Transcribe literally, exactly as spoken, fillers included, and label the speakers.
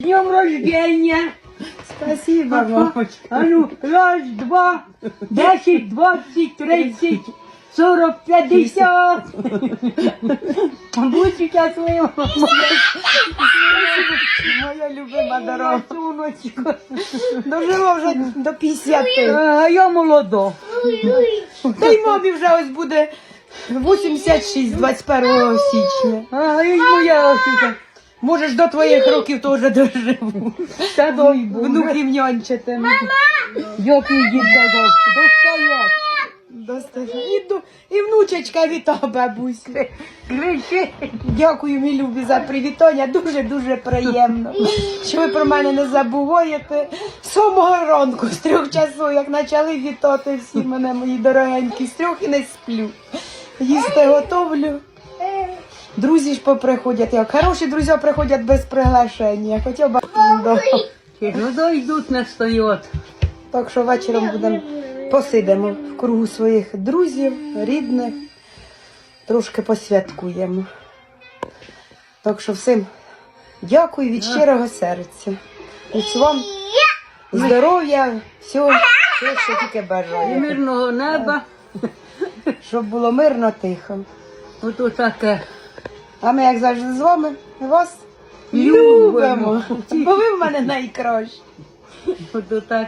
Speaker 1: днем рождения!
Speaker 2: Спасибо, мамочка.
Speaker 1: А ну, раз, два, десять, двадцать, тридцать, сорок, пятьдесят. Будь счастлива.
Speaker 2: Моя любима дорога. Сонечко. Дожила вже до п'ятдесяти.
Speaker 1: А я молода.
Speaker 2: Та й мамі вже ось буде вісімдесят шість двадцять першого січня.
Speaker 1: А і моя ось.
Speaker 2: Можеш до твоїх років теж доживу.
Speaker 1: Та дай Боже.
Speaker 2: Внуків нянчити.
Speaker 1: Дякую, дід казав. Достає.
Speaker 2: Достатньо. І, ду- і внучечка віта, бабусь.
Speaker 1: Кричи.
Speaker 2: Дякую, мій любі, за привітання. Дуже-дуже приємно, що ви про мене не забуваєте. З самого ранку, з трьох часу, як почали вітати всі мене, мої дорогенькі, з трьох і не сплю. Їсти готовлю. Друзі ж поприходять, як хороші друзі приходять без приглашення. Хоча б да.
Speaker 1: Ну, то йдуть не стоять.
Speaker 2: Так що вечором будемо посидимо в кругу своїх друзів, рідних, трошки посвяткуємо. Так що всім дякую від щирого серця. Ось вам здоров'я, всього, всього, що тільки
Speaker 1: І
Speaker 2: бажаю.
Speaker 1: мирного неба.
Speaker 2: Щоб було мирно, тихо.
Speaker 1: Ото таке.
Speaker 2: А ми, як завжди, з вами вас
Speaker 1: Любимо.
Speaker 2: любимо. Бо ви в мене найкращі.
Speaker 1: Ото таке.